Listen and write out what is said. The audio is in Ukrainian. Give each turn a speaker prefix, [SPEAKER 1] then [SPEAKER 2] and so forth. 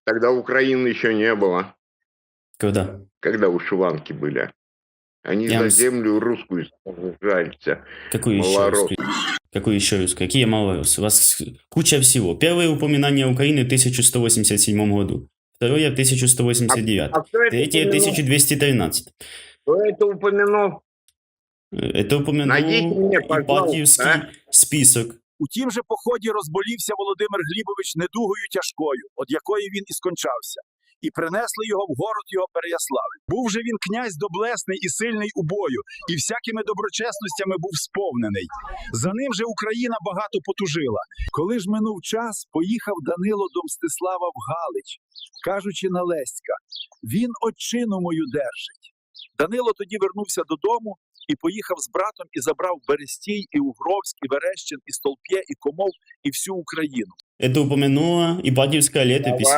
[SPEAKER 1] Тогда Украины еще не было,
[SPEAKER 2] Когда?
[SPEAKER 1] когда вышиванки были. Они
[SPEAKER 2] Я
[SPEAKER 1] за
[SPEAKER 2] вам
[SPEAKER 1] землю русскую сражаются,
[SPEAKER 2] Какую еще
[SPEAKER 1] малороссы.
[SPEAKER 2] русскую? Какую еще русскую? Какие малороссы? У вас куча всего. Первое упоминание Украины в 1187 году. Второе в 1189.
[SPEAKER 1] А кто это
[SPEAKER 2] Третье в
[SPEAKER 1] упомянул?
[SPEAKER 2] 1213.
[SPEAKER 1] Кто это упомянул?
[SPEAKER 2] Это
[SPEAKER 1] Найдите
[SPEAKER 2] упомянул
[SPEAKER 1] мне, пожалуйста,
[SPEAKER 2] Ипатьевский список.
[SPEAKER 3] У тім же поході розболівся Володимир Глібович недугою тяжкою, од якої він і скончався, і принесли його в город його Переяславль. Був же він князь доблесний і сильний у бою, і всякими доброчесностями був сповнений. За ним же Україна багато потужила. Коли ж минув час, поїхав Данило до Мстислава в Галич, кажучи на Леська: «Він отчину мою держить». Данило тоді вернувся додому і поїхав з братом і забрав Берестій, і Угровськ, і Верещин, і Столп'є, і Комов, і всю Україну.
[SPEAKER 2] Это упомянула Ипатьевская летопись.